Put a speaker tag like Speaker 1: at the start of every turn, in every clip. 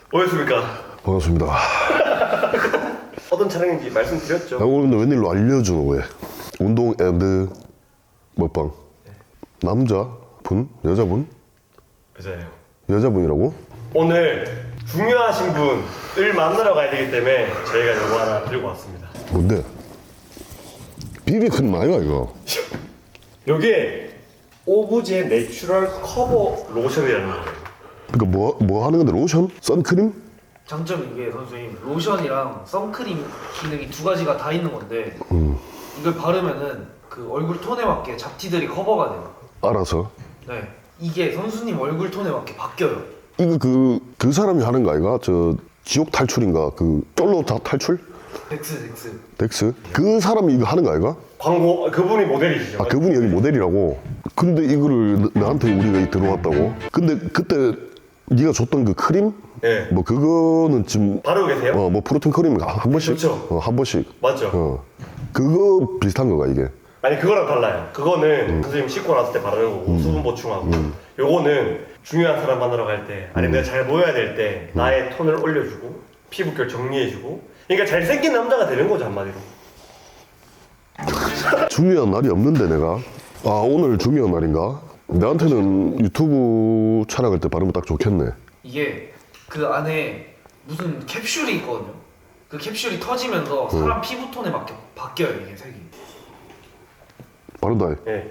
Speaker 1: 오셨습니까?
Speaker 2: 반갑습니다.
Speaker 1: 어떤 촬영인지 말씀드렸죠?
Speaker 2: 오늘 근데 웬일로 알려주는 거야? 운동 앤드 먹방. 남자분? 여자분?
Speaker 1: 맞아요.
Speaker 2: 여자분이라고?
Speaker 1: 오늘 중요하신 분을 만나러 가야 되기 때문에 저희가 이거 하나 들고 왔습니다.
Speaker 2: 뭔데? 비비크림 아이가 이거?
Speaker 1: 요게 오브제 내추럴 커버 로션이라는 거예요.
Speaker 2: 그러니까 뭐 하는 건데 로션? 선크림?
Speaker 3: 장점이 이게 선생님 로션이랑 선크림 기능이 두 가지가 다 있는 건데 이걸 바르면은 그 얼굴 톤에 맞게 잡티들이 커버가 돼요.
Speaker 2: 알아서.
Speaker 3: 네, 이게 선수님 얼굴 톤에 맞게 바뀌어요.
Speaker 2: 이거 그 사람이 하는 거 아이가? 저 지옥 탈출인가? 그 쫄로 탈출?
Speaker 3: 덱스.
Speaker 2: 덱스? 그 사람이 이거 하는 거 아이가?
Speaker 1: 광고 그분이 모델이시죠?
Speaker 2: 아 그분이 여기 모델이라고? 근데 이거를 나한테 우리가 들어왔다고? 근데 그때 네가 줬던 그 크림?
Speaker 1: 네.
Speaker 2: 뭐 그거는 지금
Speaker 1: 바르고 계세요?
Speaker 2: 뭐 프로틴 크림 한 번씩?
Speaker 1: 그렇죠.
Speaker 2: 한 번씩.
Speaker 1: 맞죠?
Speaker 2: 그거 비슷한 거가 이게.
Speaker 1: 아니 그거랑 달라요. 그거는 선생님 씻고 나서 때 바르는 거고 수분 보충하고 요거는 중요한 사람 만나러 갈 때 아니면 내가 잘 보여야 될 때 나의 톤을 올려주고 피부결 정리해주고 그러니까 잘생긴 남자가 되는 거죠 한마디로.
Speaker 2: 중요한 날이 없는데 내가 아 오늘 중요한 날인가? 나한테는 유튜브 촬영할 때 바르면 딱 좋겠네.
Speaker 3: 이게 그 안에 무슨 캡슐이 있거든요. 그 캡슐이 터지면서 사람 피부 톤에 맞게 바뀌어요 이게 색이.
Speaker 2: 바른다.
Speaker 1: 네.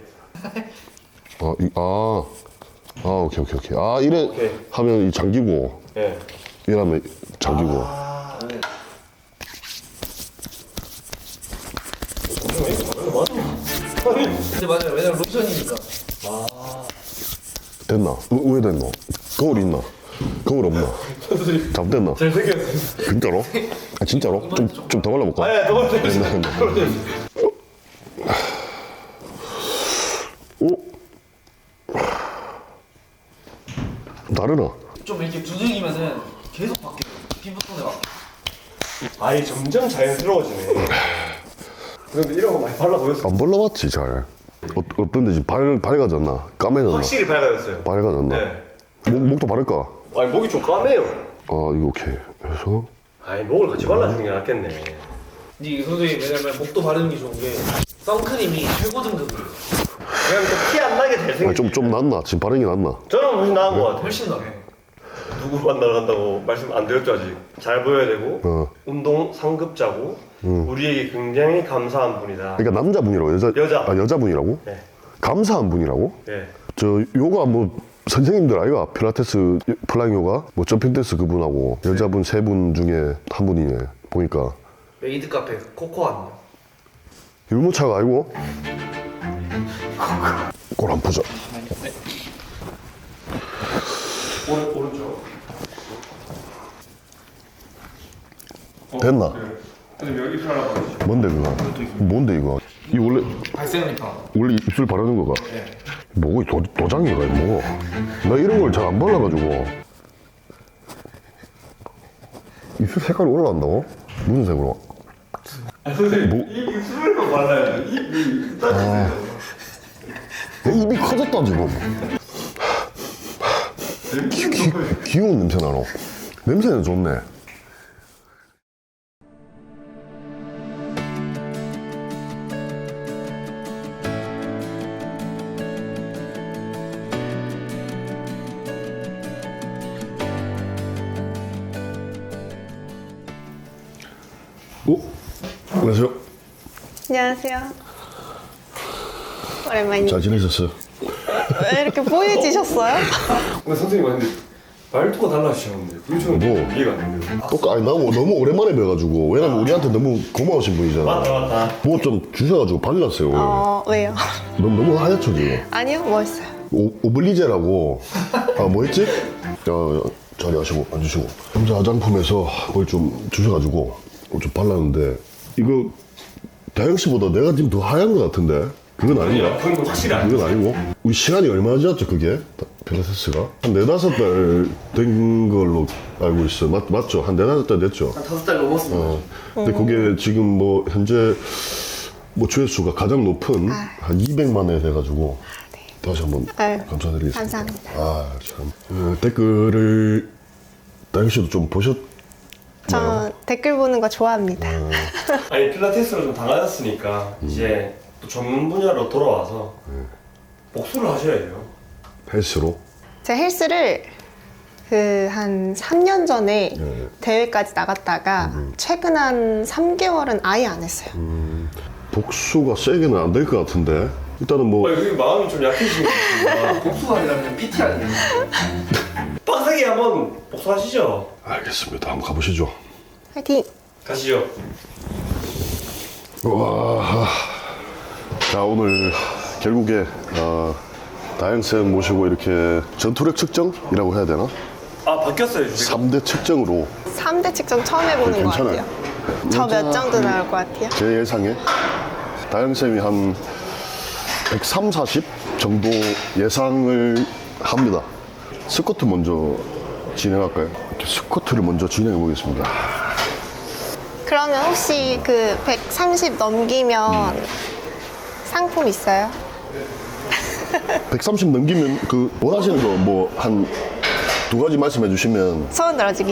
Speaker 2: 오케이. 아 이래
Speaker 1: 오케이.
Speaker 2: 하면 이 잠기고
Speaker 1: 네.
Speaker 2: 이러면 잠기고.
Speaker 3: 근데 맞아요. 왜냐면 로션이니까.
Speaker 2: 됐나? 왜 됐노? 거울 있나? 거울 없나? 잘못됐나?
Speaker 1: 잘생겼어요.
Speaker 2: 진짜로? 아 진짜로? 좀 더 발라볼까?
Speaker 1: 아니 너무 잘생겼어요.
Speaker 2: 오? 다르나?
Speaker 3: 좀 이렇게 두들기면은 계속 바뀌어요. 피부 톤에 맞게.
Speaker 1: 아이 점점 자연스러워지네. 근데 이런 거 많이 발라 보였어.
Speaker 2: 안 발라봤지 잘. 어떤데 지금 밝아졌나? 까매졌나?
Speaker 1: 확실히 밝아졌어요.
Speaker 2: 밝아졌나?
Speaker 1: 네.
Speaker 2: 목도 바를까?
Speaker 1: 아니 목이 좀 까매요.
Speaker 2: 이거 오케이. 그래서
Speaker 1: 아니 목을 같이 발라주는 게 낫겠네.
Speaker 3: 이게 선생님 왜냐면 목도 바르는 게 좋은 게 선크림이 최고 등급이에요.
Speaker 1: 그냥 티 안 나게 잘생겼.
Speaker 2: 좀 낫나? 지금 바른 게 낫나?
Speaker 1: 저는 훨씬 나은 것 같아요.
Speaker 3: 훨씬 나아요.
Speaker 1: 누구 만나러 간다고 말씀 안 드렸죠 아직. 잘 보여야 되고 운동 상급자고 우리에게 굉장히 감사한 분이다.
Speaker 2: 그러니까 남자분이라고
Speaker 1: 여자.
Speaker 2: 여자분이라고?
Speaker 1: 네.
Speaker 2: 감사한 분이라고?
Speaker 1: 네.
Speaker 2: 저 요가 뭐 선생님들 아이가 필라테스 플라잉 요가 뭐 점핑 댄스 그분하고 여자분 세 분 중에 한 분이네 보니까
Speaker 3: 메이드 카페 코코아는요.
Speaker 2: 유모차가 아니고 꼴 안 보자.
Speaker 1: 오른쪽.
Speaker 2: 됐나?
Speaker 1: 선생님 여기 입술 하나 봐주시죠.
Speaker 2: 뭔데 그거? 뭔데 이거? 이
Speaker 3: 발색 리파.
Speaker 2: 원래 입술 바르는 거가? 뭐고 도장이가 뭐? 나 이런 걸 잘 안 발라가지고 입술 색깔이 올라간다고? 무슨 색으로?
Speaker 1: 선생님 이 입술만 발라요. 입이 따지세요.
Speaker 2: 입이 커졌다 지금. 귀여운 냄새 나노. 냄새는 좋네. 안녕하세요.
Speaker 4: 안녕하세요. 오랜만이네.
Speaker 2: 잘 지내셨어요?
Speaker 4: 왜 이렇게 보여지셨어요?
Speaker 1: 근데 선생님 근데 말투가 달라지셨는데 그게 저는
Speaker 2: 뭐?
Speaker 1: 이해가 안 돼요.
Speaker 2: 아니 너무 오랜만에 뵈가지고 왜냐면 우리한테 너무 고마우신 분이잖아.
Speaker 1: 맞다.
Speaker 2: 뭐 좀 주셔가지고 발랐어요.
Speaker 4: 왜요?
Speaker 2: 너무 하얗죠 지금.
Speaker 4: 아니요, 멋있어요.
Speaker 2: 오블리제라고 뭐였지? 자리 하시고 앉으시고 남자 화장품에서 뭘 좀 주셔가지고 좀 발랐는데 이거 다영 씨보다 내가 지금 더 하얀 것 같은데 그건 아닌가?
Speaker 1: 그건 확실히 안
Speaker 2: 그건 아니고 우리 시간이 얼마나 지났죠 그게? 필라테스가? 한 4-5달 된 걸로 알고 있어요. 맞죠? 한 4-5달 됐죠?
Speaker 3: 한 5달 넘었습니다.
Speaker 2: 근데 그게 지금 뭐 현재 뭐 조회수가 가장 높은 한 200만 회 돼가지고 다시 한번
Speaker 4: 아유,
Speaker 2: 감사드리겠습니다.
Speaker 4: 감사합니다.
Speaker 2: 댓글을 다영 씨도 좀 보셨나요?
Speaker 4: 저 댓글 보는 거 좋아합니다.
Speaker 1: 아니 필라테스를 좀 당하셨으니까 이제 또 전문 분야로 돌아와서 복수를 하셔야 돼요.
Speaker 2: 헬스로?
Speaker 4: 제가 헬스를 그 한 3년 전에 대회까지 나갔다가 최근 한 3개월은 아예 안 했어요.
Speaker 2: 복수가 세게는 안 될 것 같은데 일단은 뭐
Speaker 1: 여기 마음이 좀 약해지신 것 같습니다.
Speaker 3: 복수가 아니라 그냥 PT 아니에요?
Speaker 1: 빡세게 한번 복수하시죠.
Speaker 2: 알겠습니다. 한번 가보시죠.
Speaker 4: 화이팅!
Speaker 1: 가시죠.
Speaker 2: 와, 자 오늘 결국에 다영쌤 모시고 이렇게 전투력 측정이라고 해야 되나?
Speaker 1: 아 바뀌었어요 지금.
Speaker 2: 3대 측정으로
Speaker 4: 3대 측정 처음 해보는 것
Speaker 2: 괜찮아요.
Speaker 4: 같아요. 저 몇 정도 나올 것 같아요?
Speaker 2: 제 예상에 다영쌤이 한 130, 40 정도 예상을 합니다. 스쿼트 먼저 진행할까요? 이렇게 스쿼트를 먼저 진행해 보겠습니다.
Speaker 4: 그러면 혹시 그 130 넘기면 상품 있어요?
Speaker 2: 130 넘기면 그 원하시는 거 뭐 한 두 가지 말씀해 주시면
Speaker 4: 소원 들어주기.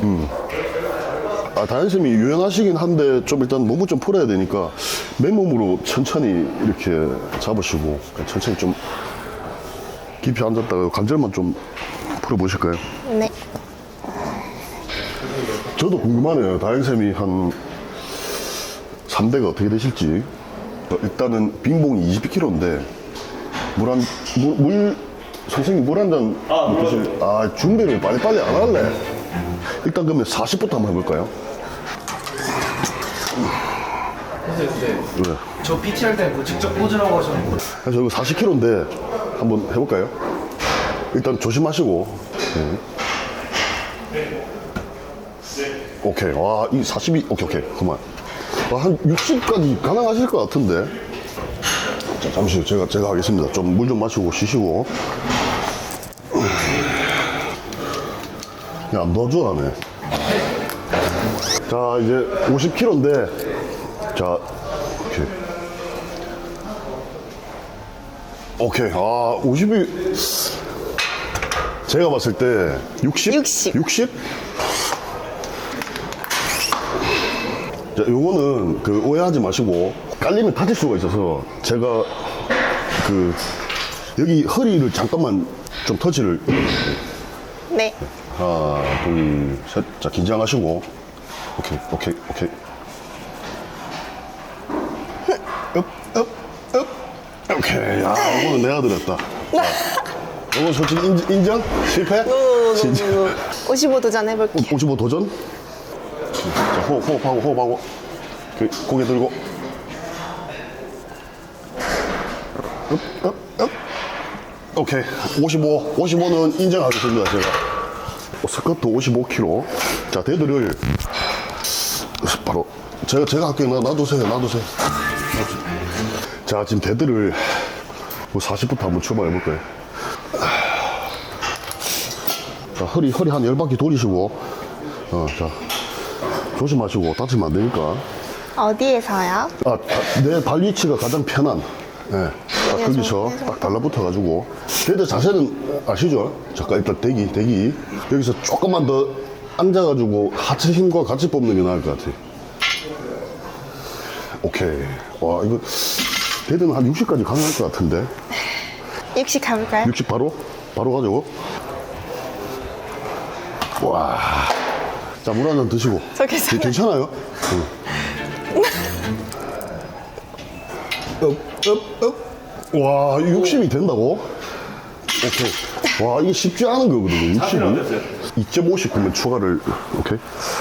Speaker 2: 다현쌤이 유연하시긴 한데 좀 일단 몸을 좀 풀어야 되니까 맨몸으로 천천히 이렇게 잡으시고 천천히 좀 깊이 앉았다가 관절만 좀 풀어보실까요?
Speaker 4: 네.
Speaker 2: 저도 궁금하네요. 다현쌤이 한 3대가 어떻게 되실지. 일단은 빈봉이 20kg인데 선생님 물 한 잔 드실. 준비를 빨리빨리 안 할래. 일단 그러면 40부터 한번 해볼까요?
Speaker 3: 선생님 근데
Speaker 2: 네.
Speaker 3: 저 PT 할 때는 그 직접 꽂으라고 하셨는데
Speaker 2: 그래서 이거 40kg인데 한번 해볼까요? 일단 조심하시고. 오케이. 와, 이 42. 오케이. 그만. 한 60까지 가능하실 것 같은데. 자, 잠시 제가 하겠습니다. 좀 물 좀 마시고 쉬시고. 야, 안 도와주라네. 자, 이제 50kg인데. 자, 오케이. 오케이. 50이 제가 봤을 때 60?
Speaker 4: 60.
Speaker 2: 60? 자, 요거는 그 오해하지 마시고 깔리면 다칠 수가 있어서 제가 그 여기 허리를 잠깐만 좀 터치를
Speaker 4: 네.
Speaker 2: 하나, 둘, 셋. 자, 긴장하시고. 오케이. 오케이. 야, 이거는 내가 들었다. 이건 솔직히 인정? 실패? 진짜.
Speaker 4: 55 도전해볼게요.
Speaker 2: 55 도전? 자, 호흡하고. 고개 들고. 오케이. 55는 인정하겠습니다, 제가. 스쿼트 55kg. 자, 데드를 바로 제가 할게요. 놔두세요. 자, 지금 데드를 40부터 한번 출발해볼까요? 자, 허리 한 10바퀴 돌리시고, 자, 조심하시고, 다치면 안 되니까.
Speaker 4: 어디에서요?
Speaker 2: 내 발 위치가 가장 편한, 딱 거기서 딱 달라붙어가지고. 데드 자세는 아시죠? 잠깐 일단 대기. 여기서 조금만 더 앉아가지고 하체 힘과 같이 뽑는 게 나을 것 같아. 오케이. 와, 이거, 데드는 한 60까지 가능할 것 같은데.
Speaker 4: 60 가볼까요?
Speaker 2: 60 바로 가자고. 와. 자, 물 한 잔 드시고.
Speaker 4: 저 괜찮아요.
Speaker 2: 괜찮아요? 와, 60이 된다고? 오케이. 와, 이게 쉽지 않은 거거든요. 60은. 2.59면 추가를, 오케이.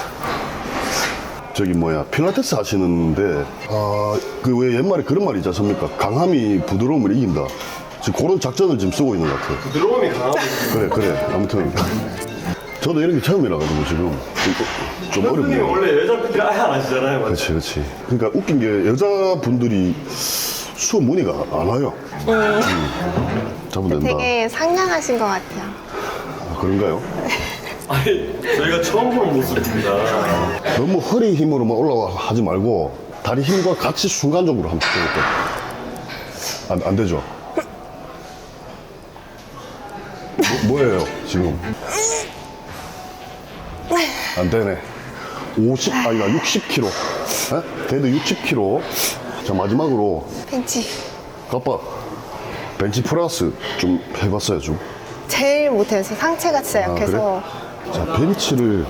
Speaker 2: 저기 필라테스 하시는데, 그 왜 옛말에 그런 말이 있지 않습니까? 강함이 부드러움을 이긴다. 지금 그런 작전을 지금 쓰고 있는 것 같아요.
Speaker 1: 부드러움이 강하고 있습니다.
Speaker 2: 그래. 아무튼. 저도 이런 게 처음이라가지고 지금 좀
Speaker 1: 선생님이
Speaker 2: 어렵네요.
Speaker 1: 원래 여자 분들이 아예 안 하시잖아요. 맞죠?
Speaker 2: 그렇지. 그러니까 웃긴 게 여자분들이 수업 문의가 안 와요. 잡으면 된다.
Speaker 4: 되게 상냥하신 것 같아요.
Speaker 2: 그런가요?
Speaker 1: 아니 저희가 처음 보는 모습입니다.
Speaker 2: 너무 허리 힘으로만 올라가지 말고 다리 힘과 같이 순간적으로 한번 해볼게요. 안 되죠? 뭐예요 지금? 안 되네. 60kg. 에? 데드 60kg. 자, 마지막으로
Speaker 4: 벤치.
Speaker 2: 아빠 벤치 프레스 좀 해봤어요 좀.
Speaker 4: 제일 못해서 상체가 진짜
Speaker 2: 아,
Speaker 4: 약해서.
Speaker 2: 자, 벤치를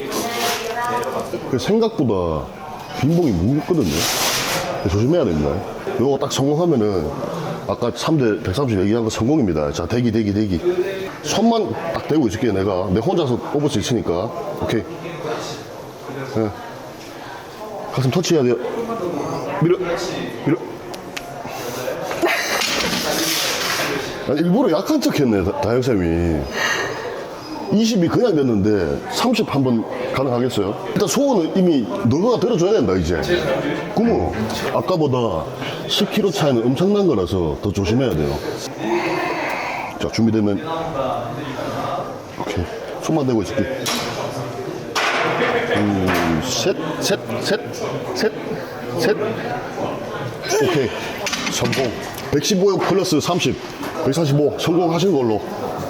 Speaker 2: 그 생각보다 빈봉이 무겁거든요. 조심해야 됩니다. 이거 딱 성공하면은 아까 3대 130 얘기한 거 성공입니다. 자, 대기. 손만 딱 대고 있을게요. 내가 혼자서 뽑을 수 있으니까. 오케이. 네. 가슴 터치해야 돼요. 밀어. 아니, 일부러 약한 척 했네, 다영쌤이. 20이 그냥 됐는데 30 한번 가능하겠어요? 일단 소원은 이미 너가 들어줘야 된다 이제. 그러면 아까보다 10kg 차이는 엄청난 거라서 더 조심해야 돼요. 자, 준비되면 오케이. 손만 대고 있을게. 셋. 오케이. 성공. 115 플러스 30 145 성공하신 걸로.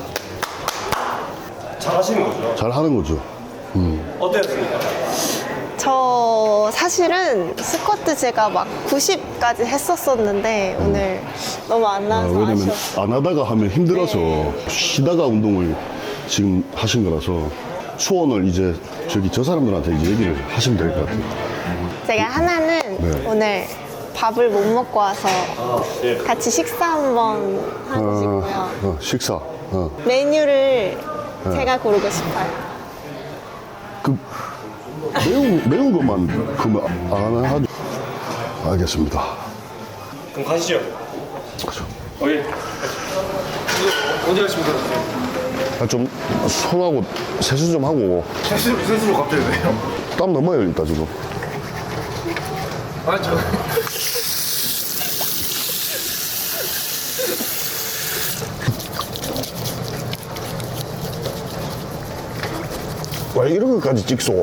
Speaker 1: 잘 하시는 거죠?
Speaker 2: 잘 하는 거죠.
Speaker 1: 어땠습니까?
Speaker 4: 저 사실은 스쿼트 제가 막 90까지 했었었는데 오늘 너무 안 나와서
Speaker 2: 왜냐면
Speaker 4: 아쉬웠어요.
Speaker 2: 안 하다가 하면 힘들어서 쉬다가 운동을 지금 하신 거라서 소원을 이제 저 사람들한테 이제 얘기를 하시면 될 것 같아요.
Speaker 4: 제가 하나는
Speaker 2: 네.
Speaker 4: 오늘 밥을 못 먹고 와서
Speaker 1: 예.
Speaker 4: 같이 식사 한번 하고 싶고요.
Speaker 2: 식사.
Speaker 4: 메뉴를 제가 고르고 싶어요.
Speaker 2: 그 매운 것만 그러면 안 하죠. 알겠습니다.
Speaker 1: 그럼 가시죠.
Speaker 2: 그죠.
Speaker 1: 예.
Speaker 3: 어디 가십니까?
Speaker 2: 좀 손하고 세수 좀 하고
Speaker 3: 세수로 갑자기 왜요?
Speaker 2: 땀 너무 많이 흘렸다 지금.
Speaker 3: 아니 저
Speaker 2: 왜 이런 것까지 찍소?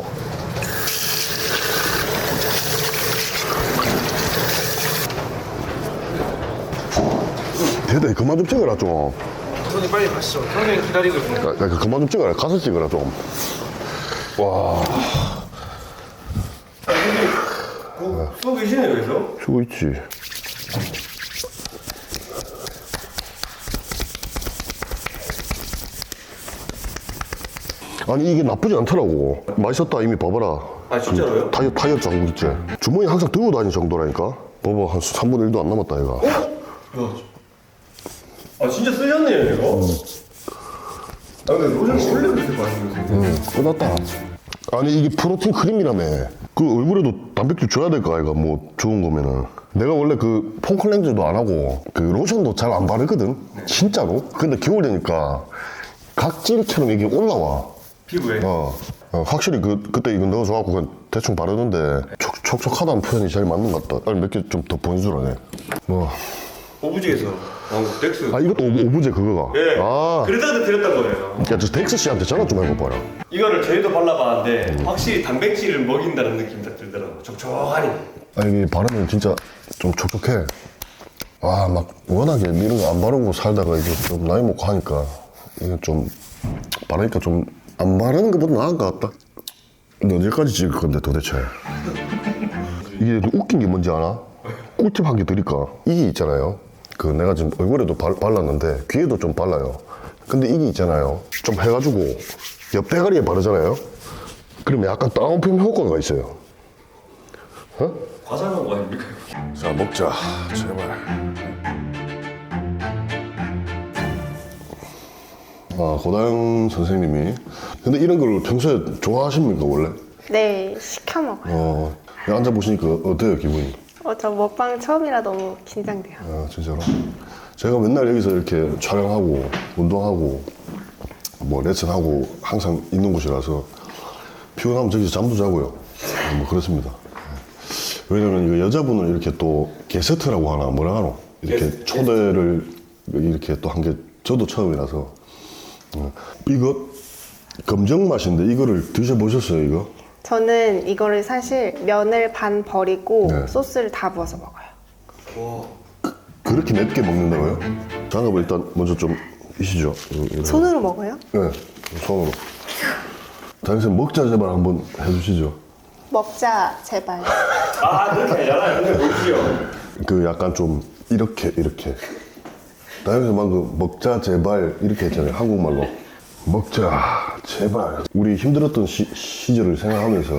Speaker 2: 대대 그만 좀 찍어라 좀.
Speaker 3: 손이 빨리 가시죠. 형님 기다리고 있습니다.
Speaker 2: 그만 좀 찍어라. 가서 찍어라 좀. 와,
Speaker 1: 쏘 계시네요, 그래서?
Speaker 2: 쉬고 있지. 아니 이게 나쁘지 않더라고. 맛있었다 이미 봐봐라.
Speaker 1: 아, 진짜로요?
Speaker 2: 타이어 장구 있지. 주머니 항상 들고 다니는 정도라니까. 봐봐 한 3분의 1도 안 남았다 얘가.
Speaker 1: 아, 진짜 쓰셨네요, 이거? 아, 근데 로션 원래 그렇게 맛있는
Speaker 2: 끝났다. 아니 이게 프로틴 크림이라며. 그 얼굴에도 단백질 줘야 될 거 아이가 뭐 좋은 거면은. 내가 원래 그 폼클렌저도 안 하고 그 로션도 잘 안 바르거든. 진짜로. 근데 겨울 되니까 각질처럼 이게 올라와.
Speaker 1: 피부에.
Speaker 2: 확실히 그때 이거 넣어줘갖고 그냥 대충 바르는데 촉촉하다는 표현이 제일 맞는 것 같다. 빨리 몇 개 좀 더 보여주라네. 뭐.
Speaker 1: 오브제에서 나온 거, 덱스.
Speaker 2: 아 이것도 오브제 그거가.
Speaker 1: 예.
Speaker 2: 아.
Speaker 1: 그러다가 드렸던 거예요.
Speaker 2: 야 저 덱스 씨한테 전화 좀 해봐라.
Speaker 1: 이거를 저희도 발라봤는데 확실히 단백질을 먹인다는 느낌이 딱 들더라고요. 촉촉하니.
Speaker 2: 아 이게 바르면 진짜 좀 촉촉해. 아 막 워낙에 이런 거 안 바르고 살다가 이제 좀 나이 먹고 하니까 이게 좀 바르니까 좀 안 바르는 것보다 나은 것 같다. 근데 언제까지 찍을 건데 도대체. 이게 웃긴 게 뭔지 아나? 꿀팁 한 개 드릴까? 이게 있잖아요. 그 내가 지금 얼굴에도 발랐는데 귀에도 좀 발라요. 근데 이게 있잖아요. 좀 해가지고 옆 대가리에 바르잖아요. 그러면 약간 다운펌 효과가 있어요.
Speaker 1: 과장한 거 아닙니까?
Speaker 2: 자 먹자 제발. 아 고다영 선생님이 근데 이런 걸 평소에 좋아하십니까 원래?
Speaker 4: 네, 시켜 먹어요.
Speaker 2: 앉아 보시니까 어때요 기분이?
Speaker 4: 저 먹방 처음이라 너무 긴장돼요.
Speaker 2: 아 진짜로? 제가 맨날 여기서 이렇게 촬영하고 운동하고 뭐 레슨하고 항상 있는 곳이라서 피곤하면 저기서 잠도 자고요. 뭐 그렇습니다. 왜냐면 이거 여자분을 이렇게 또 게스트라고 하나 뭐라 하노? 이렇게 초대를 이렇게 또 한 게 저도 처음이라서. 이거 검정 맛인데 이거를 드셔보셨어요 이거?
Speaker 4: 저는 이거를 사실 면을 반 버리고
Speaker 2: 네.
Speaker 4: 소스를 다 부어서 먹어요.
Speaker 2: 그렇게 맵게 먹는다고요? 장갑을 일단 먼저 좀 이시죠.
Speaker 4: 손으로 먹어요?
Speaker 2: 네, 손으로. 다영쌤 먹자 제발 한번 해주시죠.
Speaker 4: 먹자 제발.
Speaker 1: 아 그렇게 아니잖아요. 근데 뭘지요?
Speaker 2: 그 약간 좀 이렇게 다영쌤 방금 먹자 제발 이렇게 했잖아요. 한국말로 먹자 제발. 우리 힘들었던 시절을 생각하면서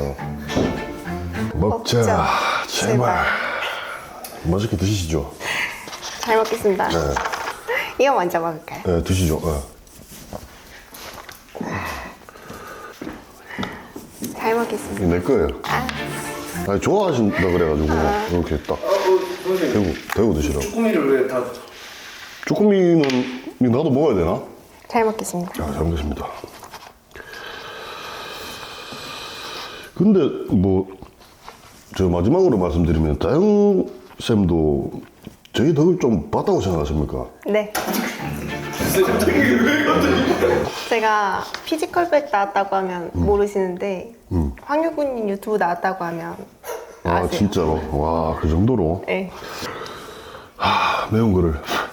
Speaker 2: 먹자 제발. 맛있게 드시죠.
Speaker 4: 잘 먹겠습니다. 이거 먼저 먹을까요?
Speaker 2: 네, 드시죠.
Speaker 4: 잘 먹겠습니다.
Speaker 2: 내 거예요. 아니, 좋아하신다 그래가지고 이렇게 딱
Speaker 1: 선생님
Speaker 2: 대고 드시라고.
Speaker 1: 쭈꾸미를 왜 다
Speaker 2: 쭈꾸미는 나도 먹어야 되나?
Speaker 4: 잘 먹겠습니다.
Speaker 2: 자, 잘 먹겠습니다. 근데 뭐 저 마지막으로 말씀드리면 다영쌤도 저희 덕을 좀 봤다고 생각하십니까?
Speaker 4: 네. 제가 피지컬백 나왔다고 하면 모르시는데 황유구님 유튜브 나왔다고 하면
Speaker 2: 아
Speaker 4: 아세요?
Speaker 2: 진짜로? 와 그 정도로?
Speaker 4: 네.
Speaker 2: 매운 거를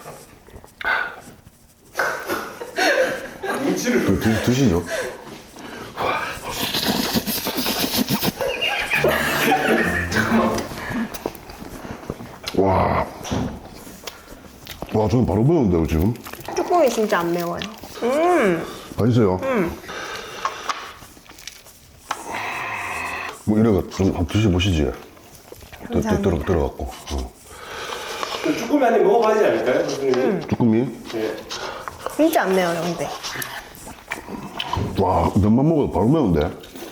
Speaker 1: 눈치를
Speaker 2: 드시죠. 와, 저는 바로 매운데요 지금.
Speaker 4: 쭈꾸미 진짜 안 매워요.
Speaker 2: 맛있어요. 뭐 이래가 좀 한번 드셔보시지.
Speaker 4: 감사합니다.
Speaker 2: 들어갖고.
Speaker 1: 쭈꾸미 한 입 먹어봐야지 않을까요, 선생님?
Speaker 2: 쭈꾸미.
Speaker 1: 네.
Speaker 4: 진짜 안 매워요, 근데.
Speaker 2: 와, 면만 먹어도 바로 매운데.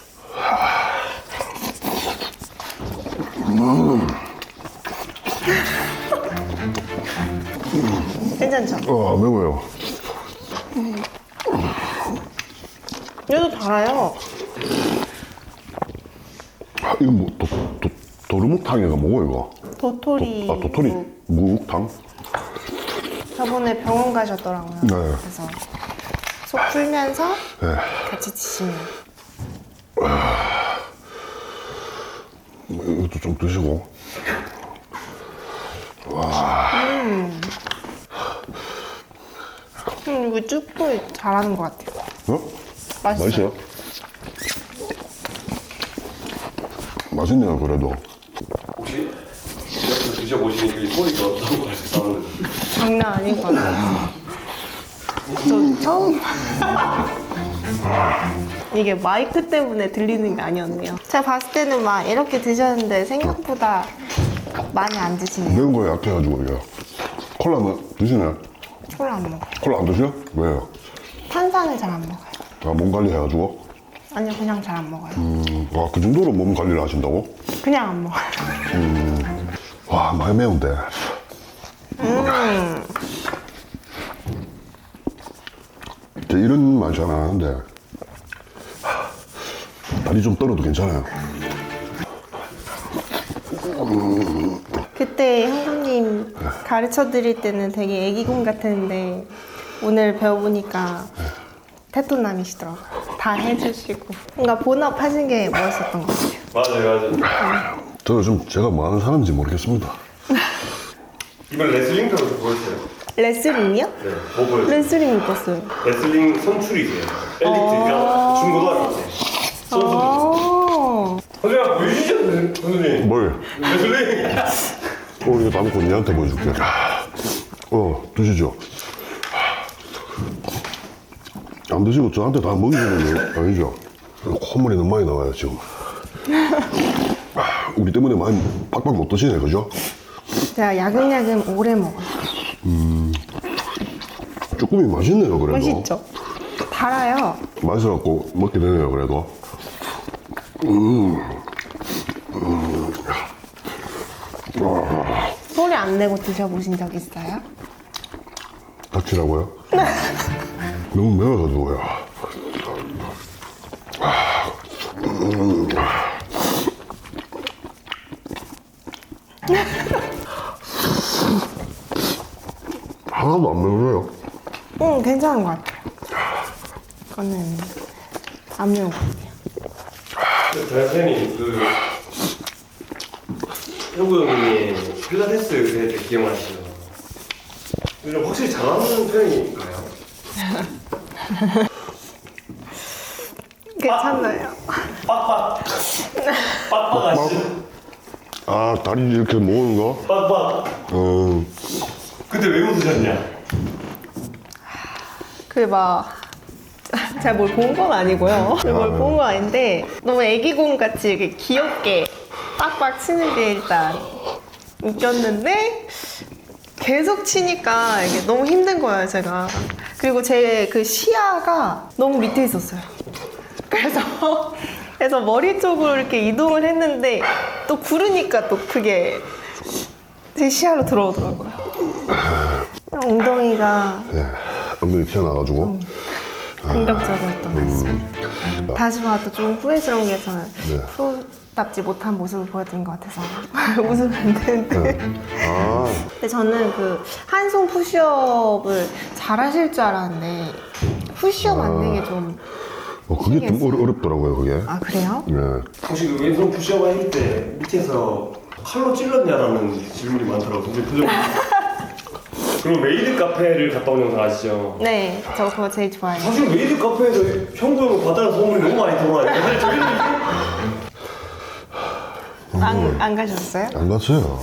Speaker 4: 괜찮죠?
Speaker 2: 매워요.
Speaker 4: 얘도 달아요.
Speaker 2: 이거 뭐 도루묵탕이가 뭐고 이거?
Speaker 4: 도토리.
Speaker 2: 도토리 묵탕?
Speaker 4: 저번에 병원 가셨더라고요.
Speaker 2: 네.
Speaker 4: 그래서 속 풀면서
Speaker 2: 네.
Speaker 4: 같이 드시면.
Speaker 2: 이것도 좀 드시고.
Speaker 4: 이거 쭈꾸미 잘하는 것 같아요.
Speaker 2: 어?
Speaker 4: 맛있어요.
Speaker 2: 맛있어요? 맛있네요 그래도.
Speaker 1: 혹시 이렇게 드셔보시니 그 소리가 어떤 거 같아요?
Speaker 4: 장난 아닌 것 같아요. 저 처음. 이게 마이크 때문에 들리는 게 아니었네요. 제가 봤을 때는 막 이렇게 드셨는데 생각보다 많이 안 드시네요.
Speaker 2: 매운 거에 약해가지고 이게. 콜라는 드시네?
Speaker 4: 콜라 안 먹어요.
Speaker 2: 콜라 안 드셔? 왜요?
Speaker 4: 탄산을 잘 안 먹어요.
Speaker 2: 몸 관리 해가지고.
Speaker 4: 아니요, 그냥 잘 안 먹어요.
Speaker 2: 와, 그 정도로 몸 관리를 하신다고?
Speaker 4: 그냥 안 먹어요.
Speaker 2: 와, 많이 매운데. 저 이런 맛이 안 나는데 다리 좀 떨어도 괜찮아요.
Speaker 4: 그때 형님 가르쳐 드릴 때는 되게 애기공 같았는데 오늘 배워보니까 테토남이시더라고요. 다 해주시고 뭔가 본업 하신 게 멋있었던 것 같아요.
Speaker 1: 맞아요.
Speaker 2: 저는 좀 제가 뭐 하는 사람인지 모르겠습니다.
Speaker 1: 이번 레슬링도 보였어요.
Speaker 4: 레슬링이요?
Speaker 1: 네, 뭐 보였어요?
Speaker 4: 레슬링 못 봤어요.
Speaker 1: 레슬링 선출이세요. 엘리트, 그러니까 중고등학교 때. 선수들.
Speaker 4: 아,
Speaker 1: 선생님, 보여주시죠, 선생님.
Speaker 2: 뭘?
Speaker 1: 레슬링.
Speaker 2: 이거 담고 니한테 보여줄게. 드시죠. 안 드시고 저한테 다 먹이시는 거 아니죠? 콧물이 너무 많이 나와요, 지금. 우리 때문에 많이 팍팍 못 드시네, 그죠?
Speaker 4: 제가 야금야금 오래 먹어요.
Speaker 2: 쭈꾸미 맛있네요, 그래도.
Speaker 4: 맛있죠? 달아요.
Speaker 2: 맛있어갖고 먹게 되네요, 그래도.
Speaker 4: 소리 안 내고 드셔보신 적 있어요?
Speaker 2: 닥치라고요? 너무 매워가지고요. 하나도 안 매워요.
Speaker 4: 괜찮은 것 같아요. 이거는 안 매운 것 같아요.
Speaker 1: 선생님, 형구 형님이 필라테스 할 때 기억나시죠? 좀 확실히 잘하는 편인가요?
Speaker 4: 괜찮아요.
Speaker 1: 빡빡. 빡빡하시.
Speaker 2: 아 다리 이렇게 모으는 거?
Speaker 1: 빡빡. 그때 왜 웃으셨냐?
Speaker 4: 제가 뭘 본 건 아니고요. 뭘 본 건 아닌데 너무 애기공 같이 이렇게 귀엽게 빡빡 치는 게 일단 웃겼는데 계속 치니까 이게 너무 힘든 거예요, 제가. 그리고 제 그 시야가 너무 밑에 있었어요. 그래서 머리 쪽으로 이렇게 이동을 했는데 또 구르니까 또 그게 제 시야로 들어오더라고요. 엉덩이가
Speaker 2: 네, 엉덩이 튀어나와가지고.
Speaker 4: 공격적이었던 것 같습니다. 다시 봐도 좀 후회스러운 게 저는
Speaker 2: 네.
Speaker 4: 프로답지 못한 모습을 보여드린 것 같아서 웃으면 안 되는데.
Speaker 2: 아,
Speaker 4: 근데 저는 그 한 손 푸시업을 잘 하실 줄 알았는데 푸시업 만드는 게 좀.
Speaker 2: 그게 좀 어렵더라고요, 그게.
Speaker 4: 아, 그래요?
Speaker 2: 네.
Speaker 1: 혹시 그 왼손 푸시업 할 때 밑에서 칼로 찔렀냐라는 질문이 많더라고요. 근데 그 정도. 그럼 메이드 카페를 갔다 온 영상 아시죠?
Speaker 4: 네, 저 그거 제일 좋아해요.
Speaker 1: 사실 메이드 카페에서 형구 형은 바다는 소문이 너무 많이 들어와요. 사실 저희는
Speaker 4: 안 가셨어요?
Speaker 2: 안 갔어요.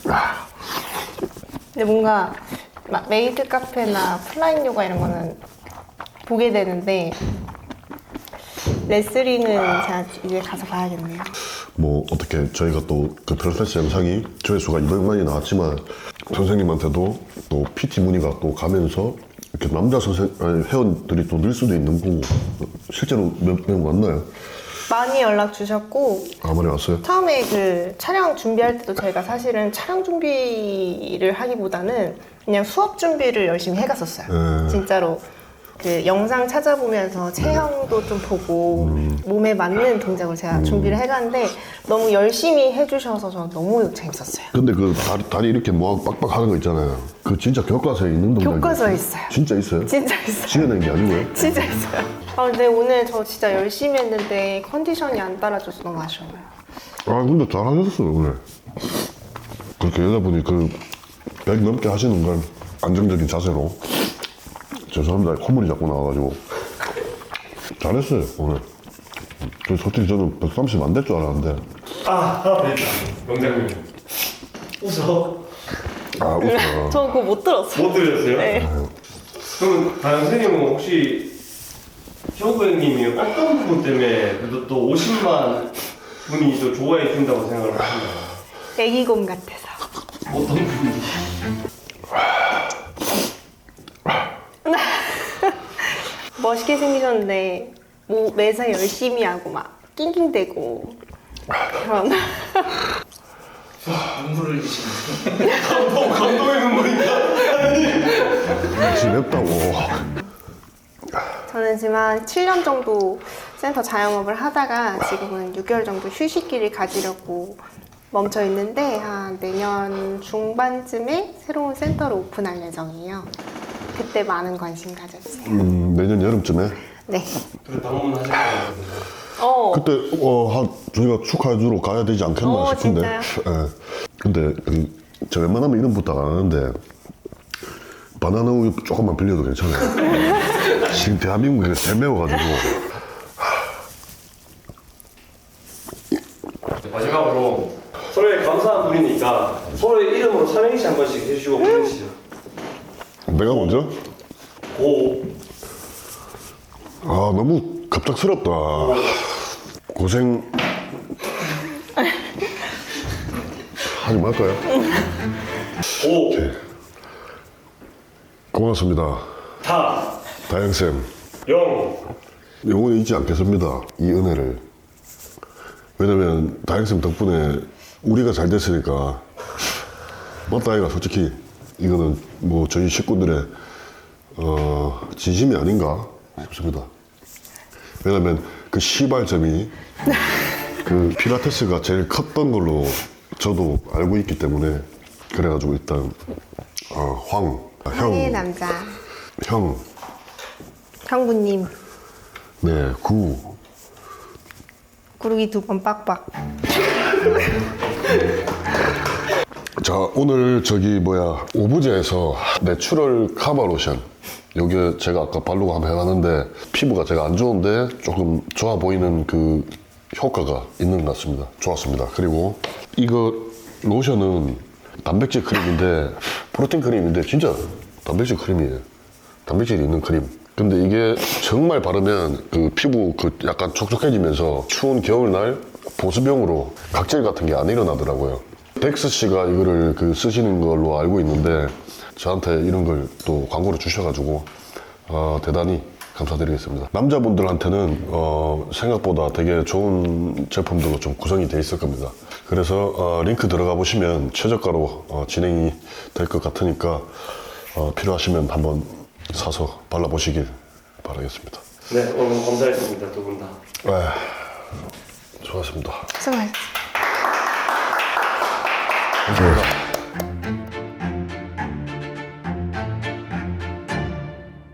Speaker 4: 근데 뭔가 막 메이드 카페나 플라잉 요가 이런 거는 보게 되는데 레슬링은 제가 이제 가서 봐야겠네요.
Speaker 2: 뭐 어떻게 저희가 또 그 트랜스레스 영상이 조회수가 200만이 나왔지만 선생님한테도 또 PT 문의가 또 가면서 이렇게 남자 회원들이 또 늘 수도 있는 거고 실제로 몇 명 왔나요?
Speaker 4: 많이 연락 주셨고
Speaker 2: 아, 많이 왔어요?
Speaker 4: 처음에 그 촬영 준비할 때도 저희가 사실은 촬영 준비를 하기보다는 그냥 수업 준비를 열심히 해갔었어요. 진짜로 그 영상 찾아보면서 체형도 좀 보고 몸에 맞는 동작을 제가 준비를 해갔는데 너무 열심히 해주셔서 저는 너무 재밌었어요.
Speaker 2: 근데 그 다리 이렇게 모아 빡빡 하는 거 있잖아요. 그 진짜 교과서에 있는 동작.
Speaker 4: 교과서에 있어요.
Speaker 2: 진짜 있어요?
Speaker 4: 진짜 있어요.
Speaker 2: 지어낸 게 아니고요?
Speaker 4: 진짜 있어요. 근데 오늘 저 진짜 열심히 했는데 컨디션이 안 따라줘서 너무 아쉬워요.
Speaker 2: 아 근데 잘하셨어요 오늘. 그렇게 여자분이 그 100 넘게 하시는 건 안정적인 자세로. 죄송합니다. 콧물이 자꾸 나와가지고. 잘했어요 오늘. 솔직히 저는 130 안 될 줄 알았는데.
Speaker 1: 하나 더 있다. 명장님. 웃어.
Speaker 2: 아 웃어.
Speaker 4: 저 그거 못 들었어요.
Speaker 1: 못 들으셨어요?
Speaker 4: 네.
Speaker 1: 그럼 다현 선생님은 혹시 형구 형님이 어떤 부분 때문에 그래도 또 50만 분이 또 좋아해 준다고 생각을 하시나요?
Speaker 4: 애기곰 같아서.
Speaker 1: 어떤 부분이?
Speaker 4: 멋있게 생기셨는데 뭐 매사 열심히 하고 막 낑낑대고 그런.
Speaker 3: 눈물을 흘리시는.
Speaker 1: 감동의 눈물인가?
Speaker 2: 지냈다고.
Speaker 4: 저는 지금 한 7년 정도 센터 자영업을 하다가 지금은 6개월 정도 휴식기를 가지려고 멈춰 있는데 한 내년 중반쯤에 새로운 센터를 오픈할 예정이에요. 그때 많은 관심 가져주세요.
Speaker 2: 내년 여름쯤에.
Speaker 4: 네.
Speaker 1: 그래 방문하실 거예요.
Speaker 2: 그때 저희가 축하해주러 가야 되지 않겠나 싶은데.
Speaker 4: 진짜요?
Speaker 2: 예. 근데 저 웬만하면 이름 부탁 안 하는데 바나나 우유 조금만 빌려도 괜찮아요. 지금 대한민국에 대 매워가지고.
Speaker 1: 마지막으로 서로의 감사한 분이니까 서로의 이름으로 삼행시 한 번씩 해주시고 보내시죠.
Speaker 2: 내가 먼저?
Speaker 1: 고.
Speaker 2: 아 너무 갑작스럽다. 고생 하지 말까요?
Speaker 1: 오.
Speaker 2: 고맙습니다.
Speaker 1: 다.
Speaker 2: 다영쌤
Speaker 1: 영.
Speaker 2: 영원히 잊지 않겠습니다. 이 은혜를. 왜냐면 다영쌤 덕분에 우리가 잘 됐으니까. 맞다 이가 솔직히 이거는 뭐 저희 식구들의 진심이 아닌가 싶습니다. 왜냐면 그 시발점이 그 필라테스가 제일 컸던 걸로 저도 알고 있기 때문에 그래가지고 일단
Speaker 4: 한의 남자
Speaker 2: 형,
Speaker 4: 형부님
Speaker 2: 네,
Speaker 4: 구르기 2번 빡빡.
Speaker 2: 자 오늘 오브제에서 내추럴 카바 로션 여기 제가 아까 바르고 한번 해봤는데 피부가 제가 안 좋은데 조금 좋아 보이는 그 효과가 있는 것 같습니다. 좋았습니다. 그리고 이거 로션은 단백질 크림인데 프로틴 크림인데 진짜 단백질 크림이에요. 단백질이 있는 크림. 근데 이게 정말 바르면 그 피부 그 약간 촉촉해지면서 추운 겨울날 보습용으로 각질 같은 게 안 일어나더라고요. 덱스 씨가 이거를 그 쓰시는 걸로 알고 있는데 저한테 이런 걸 또 광고를 주셔가지고 대단히 감사드리겠습니다. 남자분들한테는 생각보다 되게 좋은 제품들로 좀 구성이 돼 있을 겁니다. 그래서 링크 들어가 보시면 최저가로 진행이 될 것 같으니까 필요하시면 한번 사서 발라보시길 바라겠습니다.
Speaker 1: 네, 오늘 감사했습니다. 두 분 다.
Speaker 2: 좋았습니다.
Speaker 4: 수고하셨습니다.
Speaker 2: 감사합니다.